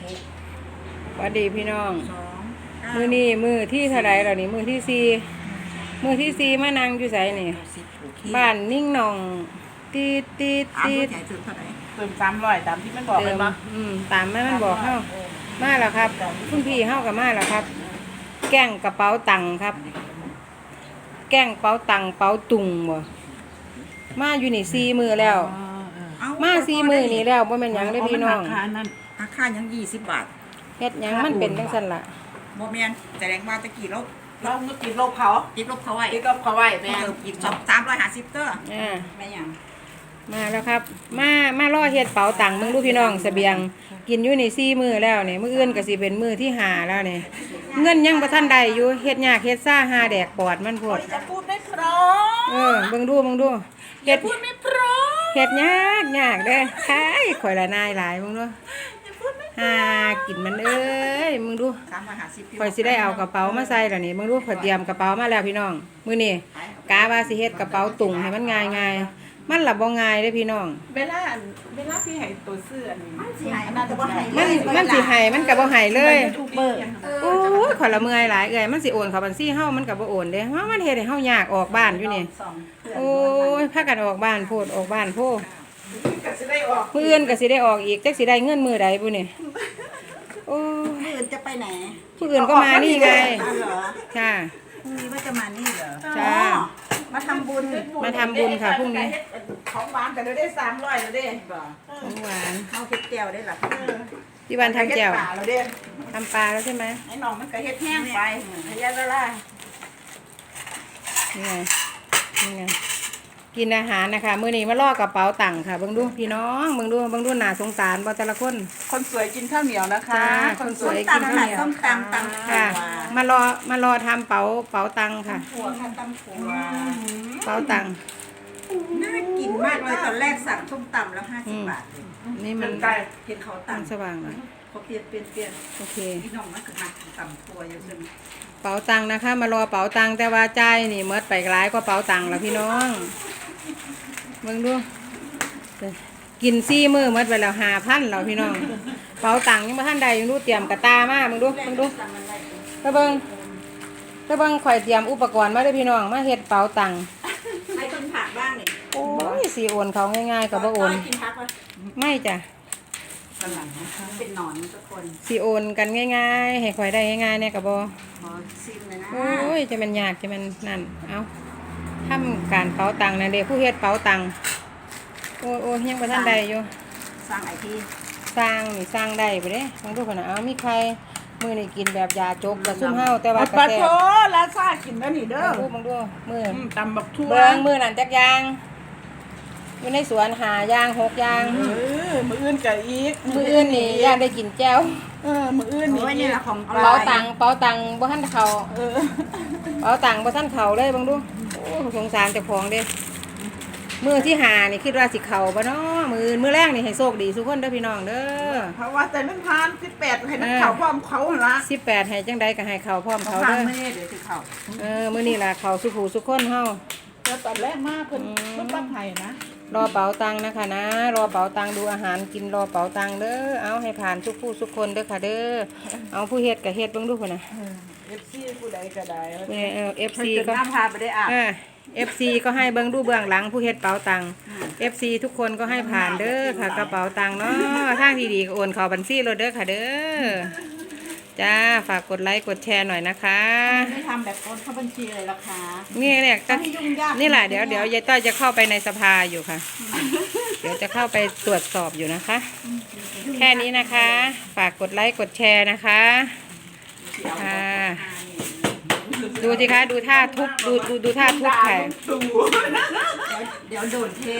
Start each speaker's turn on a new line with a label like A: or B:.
A: สวัสดีพี่น้อง
B: 2
A: มือนี่มือที่เท่าไรเหล่านี้มือที่สี่มือที่สี่มานั่งอยู่ไสนี่
B: 10
A: บ้านนิ่งหนองตีดตีด
B: เอา
A: ตีด
B: ใหญ่สุดเท่าไหร่
C: เติม300ตามที่มันบอกเลยปะ
A: ตามแม่มันบอกเข้ามาแล้วครับคุณพี่เข้ากับมาแล้วครับ แกล้งกระเป๋าตังค์ครับ แกล้งเป๋าตังค์เป๋าตุงบ่มาอยู่นี่สี่มือแล้ว
B: เอา
A: มาสี่มือนี่แล้วบ่แม่นหยังเลยพี่น้อง
C: ราคานั่น
B: ราคายัง20 บาท
A: เฮ็ดหยังมันเป็นจังซั่นล่ะ
B: บ่แม่นแสดงว่าตะกี้เรา
C: เราเมื่อกี้ลบเขา
B: ติดลบเขาไว้
C: ติดลบเขาไว้แม่
B: เพิ่มอีก350เด้อ
A: อ่า
B: แม่หยัง
A: มาแล้วครับ มารอเฮ็ดเป๋าตังค์มึงดูพี่น้องเสบียง กินอยู่ใน4มื้อแล้วนี่มื้ออื่นก็สิเป็นมื้อที่5แล้วนี่เงินยังบ่ทันได้อยู่เฮ็ดยากเฮ็ดซ่าหาแดกปอดมันโพด
C: จะพูดไม่เพราะ
A: เบิ่งดูเฮ็ด
C: พูดไม่เพราะ
A: เฮ็ดยากเด้อคายข่อยละนายหลายมึงดูหากินมันเอ้ยมึงดู
B: 350
A: ข่อยสิได้เอากระเป๋ามาใส่แล้วนี่มึงดูข่อยเตรียมกระเป๋ามาแล้วพี่น้องมื้อนี้กะว่าสิเฮ็ดกระเป๋าตุงให้มันง่ายๆมันล่ะบ่ง่ายเด้อพี่น้อง
C: เวลาพี่ให้ตัวเสื้อนี่
B: มันสิให้อันนั้นจะบ่ให้
A: มันสิให้มันก็บ่ให้เลย
C: ยูทูบเบอร์
A: โอ้ยข่อยละเมื่อยหลายเอ้ยมันสิโอนเข้าบัญชีเฮามันก็บ่โอนเด้ว่ามันเฮ็ดให้เฮายากออกบ้านอยู่นี่โอ้ยพากันออกบ้านโพดออกบ้านโพด
C: ก็จะได้ออก
A: มื้ออื่นก็สิได้ออกอีกจักสิได้เงินมื้อใดบุนี่โอ้ย
B: มื้ออื่นจะไปไหน
A: ผู้อื่นก็มานี่ไง
B: อ้าวเหรอ
A: ค่ะ
B: พรุ่งนี้ว่าจะมานี่เหรอ
A: จ้า
B: มาทำบุญ
A: มาทำบุญค่ะพรุ่งนี้
C: ของหวานแต่ได้300แล้วเด้
A: ของหวาน
B: เข้าเฮ็ดแก้วได้ล่ะ
A: ที่บ้านทำแจ่ว
C: ป่าแล้วเด้
A: ทำปลาแล้วใช่ไหม
C: ไอ้น้องมันก็เฮ็ดแห้งไปพยาละล่ะ
A: นี่ไงนี่ไงกินอาหารนะคะมื้อนี้มาล่อกระเป๋าตังค์ค่ะเบิ่งดูพี่น้องเบิ่งดูหน้าสงสารบ่แต่ละคน
C: คนสวยกินข้าวเหนียวนะคะ
A: จ้าคนสวย
B: ตำค่ะส้มตำตำ
A: ค่ะ
B: ถั่ว
A: มารอทำเป๋าตังค์ค่ะ
B: ถั่วค่ะตำถั่ว
A: เป๋าตังค์
B: น่ากินมากเลยตอนแรกสั่งส้มตำแล้ว50 บาทเอง
A: นี่มัน
C: ไก่
B: เห็นเขา
A: มัน
B: ตำ
A: สว่างเหรอ
B: เขาเปลี่ยน
A: โอเค
B: พี่น้องมันก็มาตำถั่วอย่างนึง
A: เป๋าตังค์นะคะ มารอเป๋าตังค์แต่ว่าจ่ายนี่เมดไปหลายกว่าเป๋าตังค์แล้วพี่น้องเบิ่งดูกิน4 มื้อเมดไปแล้ว5,000แล้วพี่น้องเป๋าตังค์ยังบ่ทันได้ยังดูเตรียมกระตามาเบิ่งดูไปเบิ่งข่อยเตรียมอุปกรณ์มาเด้อพี่น้องมาเฮ็ดเป๋าตังค์
B: ให้กินผักบ้างนี่
A: โอ้ยสิโอนเขาง่ายๆก็บ่โอน
B: กินผักวะ
A: ไม่จ้ะ
C: ฝรั่งนะคะ
B: เป็นหนอนทุกคน
A: สิโอนกันง่ายๆให้ข่อยได้ง่ายๆเนี่ยก็บ่
B: ขอซิมเลยนะ
A: โอ้ยจะเป็นยากจะเป็นนั่นเอาทำการเป๋าตังค์นะเด็กผู้เฮ็ดเป๋าตังค์โอ้ยยังบ่ทันได้อยู่
B: สร้างไอที
A: สร้างนี่สร้างได้บ่เด้บางทุกคนน่ะเอามีใครมื้อนี้กินแบบยาจกกับซุ่มเฮาแต่ว่า
C: ปลา
A: แซ่
C: โถ
A: บ
C: ลาซ่ากินแล้วนี่เด้อ
A: มึงดูมื้อ
C: ตำบักทั่ว
A: เบิ่งมื้อนั้นจักอย่างอยู่ในสวนหาอย่าง6อย่าง
C: มืออื่นกับอีก
A: มื้ออื่นนี่ย่างได้กินแจ่ว
C: มืออื่น
B: โอ้ย
C: นี่
B: นี่แหละของ
A: เป๋าตังค์บ่ทันเข้า
C: เออ
A: เป๋าตังค์บ่ทันเข้าเลยเบิ่งดูโอ้สงสารเจ้าของเด้มื้อที่หานี่คิดว่าสิเข้าบ่เนาะมื้อแรกนี่ให้โชคดีทุกคนเด้อพี่น้องเด้อ
C: เพราะว่าแต่มันผ่าน18ให้มันเข่าพร้อมเขาหั่นละ
A: 18ให้จังใดก็ให้เข้าพร้อมเขา
B: ผ่าน
A: เด้อ
B: ไม่ได้เดี๋ยวจะเข้า
A: มื้อนี้ล่ะเข้าสุผู้สุคนเฮา
C: แล้วตอนแรกมาเพิ่นมันปักไห้นะ
A: รอเป๋าตังค์นะคะนะรอเป๋าตังค์ดูอาหารกินรอเป๋าตังค์เด้อเอาให้ผ่านทุกผู้ทุกคนเด้อค่ะเด้อเอาผู้เฮ็ดก็เฮ็ดเบิ่งดูพุ่นน่ะ
C: FC ผู้ใดก็ได้
A: FC
B: เพิ่น
A: ก็
B: น้ำพาไปได้อ่ะ
A: FC ก็ให้เบิ่งดูเบื้องหลังผู้เฮ็ดเป๋าตังค์ FC ทุกคนก็ให้ผ่านเด้อค่ะกระเป๋าตังค์เนาะทางดีๆก็โอนเข้าบัญชีเราเด้อค่ะเด้อจ้าฝากกดไลค์กดแชร์หน่อยนะคะ
B: ไม่ทำแบบโอนเข้าบัญชีเลยราคา
A: เนี่ยก็
B: ให้ยุ่งยาก
A: นี่แหละเดี๋ยวยายต้อยจะเข้าไปในสภาอยู่ค่ะ เดี๋ยวจะเข้าไปตรวจสอบอยู่นะคะ แค่นี้นะคะ ฝากกดไลค์กดแชร์นะคะค่ะดูสิคะดูท่าทุบดูท่าทุบค่ะ
B: เดี๋ยวโดนเท